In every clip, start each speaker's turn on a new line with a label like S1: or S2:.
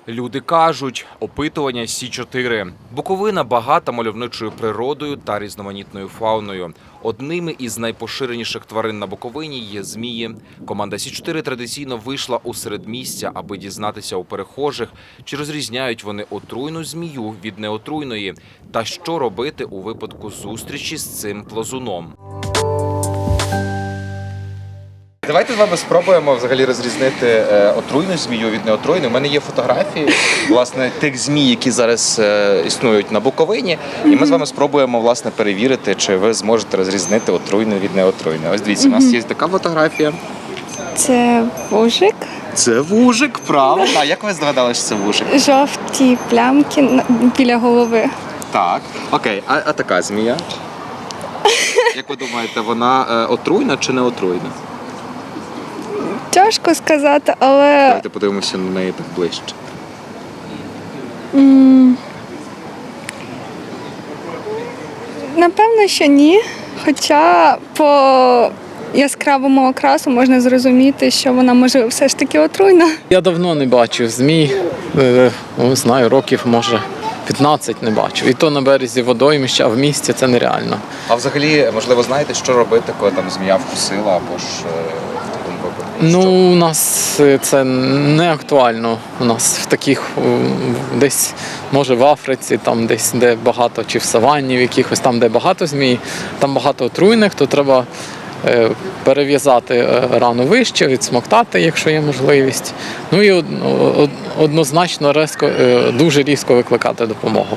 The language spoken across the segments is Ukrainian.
S1: Люди кажуть, опитування Сі-4. Буковина багата мальовничою природою та різноманітною фауною. Одними із найпоширеніших тварин на Буковині є змії. Команда Сі-4 традиційно вийшла у середмістя, аби дізнатися у перехожих, чи розрізняють вони отруйну змію від неотруйної, та що робити у випадку зустрічі з цим плазуном. Давайте з вами спробуємо взагалі розрізнити отруйну змію від неотруйної. У мене є фотографії, власне, тих змій, які зараз існують на Буковині. І ми з вами спробуємо, власне, перевірити, чи ви зможете розрізнити отруйну від неотруйної. Ось дивіться, у нас є така фотографія.
S2: Це вужик.
S1: Це вужик, правильно. А як ви здогадалися, що це вужик?
S2: Жовті плямки біля голови.
S1: Так. Окей, а така змія? Як ви думаєте, вона отруйна чи не отруйна?
S2: Тяжко сказати, але
S1: Давайте подивимося на неї так ближче.
S2: напевно, що ні. Хоча по яскравому окрасу можна зрозуміти, що вона може все ж таки отруйна.
S3: Я давно не бачив змій, не знаю, років, може, 15 не бачив. І то на березі водоймища, а в місті це нереально.
S1: А взагалі, можливо, знаєте, що робити, коли там змія вкусила або ж в такому випадку?
S3: Ну, у нас це не актуально. У нас в таких, десь, може, в Африці, там десь, де багато, чи в саванні, в якихось там, де багато змій, там багато отруйних, то треба перев'язати рану вище, відсмоктати, якщо є можливість. Ну і однозначно дуже різко викликати допомогу.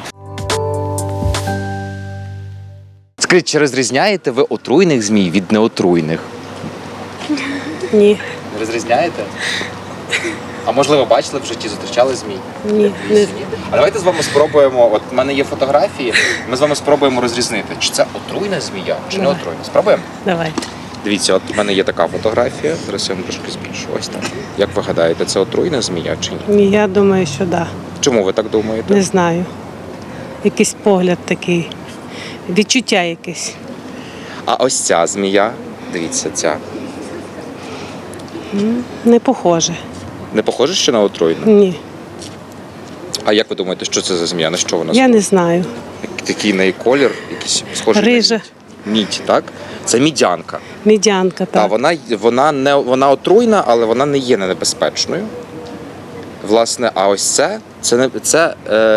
S1: Скажіть, чи розрізняєте ви отруйних змій від неотруйних?
S4: Ні.
S1: Не розрізняєте? А можливо, бачили в житті, зустрічали змій?
S4: Ні. Не.
S1: А давайте з вами спробуємо, от в мене є фотографії, ми з вами спробуємо розрізнити, чи це отруйна змія, чи не отруйна. Спробуємо?
S4: Давайте.
S1: Дивіться, от в мене є така фотографія, зараз я вам трошки збільшу, ось так. Як ви гадаєте, це отруйна змія чи ні?
S4: Ні, я думаю, що да.
S1: Чому ви так думаєте?
S4: Не знаю. Якийсь погляд такий. Відчуття якесь.
S1: А ось ця змія, дивіться, ця.
S4: Не похоже.
S1: Не похоже, що на отруйну?
S4: Ні.
S1: А як ви думаєте, що це за змія? На що вона
S4: Я не знаю.
S1: Такий неї колір, якийсь схожий
S4: Рижа.
S1: на мідь. Мідь, так? Це мідянка.
S4: Мідянка,
S1: Так,
S4: так.
S1: вона отруйна, але вона не є небезпечною. Власне, а ось це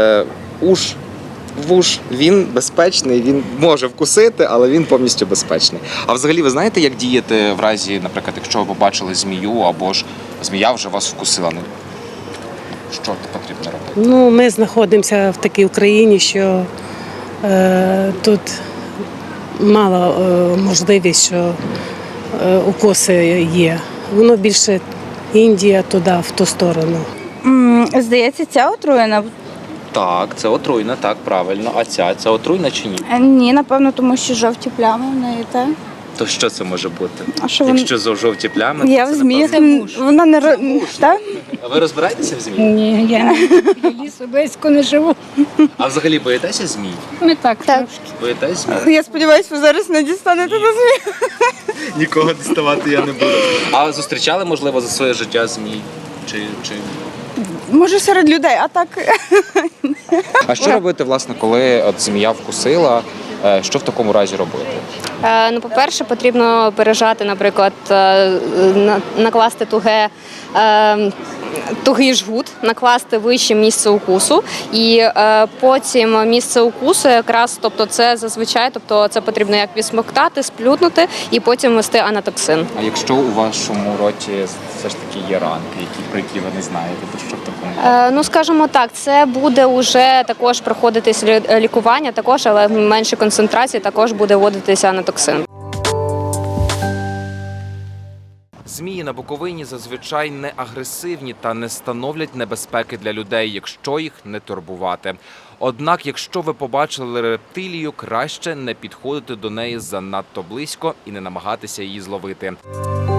S1: вуж, він безпечний, він може вкусити, але він повністю безпечний. А взагалі, ви знаєте, як діяти в разі, наприклад, якщо ви побачили змію, або ж змія вже вас вкусила? Що потрібно робити?
S4: Ну, ми знаходимося в такій Україні, що тут мало можливість, що укуси є. Воно більше Індія туди, в ту сторону.
S5: Здається, ця отруєна.
S1: Так, це отруйна, так, правильно. А це отруйна чи ні?
S5: Ні, напевно, тому що жовті плями в неї, так?
S1: То що це може бути?
S5: А що
S1: Якщо жовті плями,
S5: Я
S1: то
S5: в
S1: це,
S5: зміях.
S1: напевно,
S5: Вона не так?
S1: А ви розбираєтеся в змії?
S6: Ні, я лісу близько не живу.
S1: А взагалі боїтеся змій?
S6: Ми так.
S5: Так.
S1: Боїтесь змій?
S5: Я сподіваюся, ви зараз не дістанете до змії.
S1: Нікого діставати я не буду. А зустрічали, можливо, за своє життя змій? Чи...
S5: Може, серед людей, а так.
S1: А що робити, власне, коли от змія вкусила? Що в такому разі робити?
S7: Ну, по-перше, потрібно пережати, наприклад, накласти тугий жгут, накласти вище місце укусу, і потім місце укусу якраз, тобто це зазвичай, тобто це потрібно як відсмоктати, сплютнути і потім ввести анатоксин.
S1: А якщо у вашому роті все ж таки є ранки, про які ви не знаєте, то що в такому?
S7: Ну, скажімо так, це буде вже також проходитись лікування, також, але в меншій концентрації також буде вводитися анатоксин.
S1: Змії на Буковині зазвичай не агресивні та не становлять небезпеки для людей, якщо їх не турбувати. Однак, якщо ви побачили рептилію, краще не підходити до неї занадто близько і не намагатися її зловити.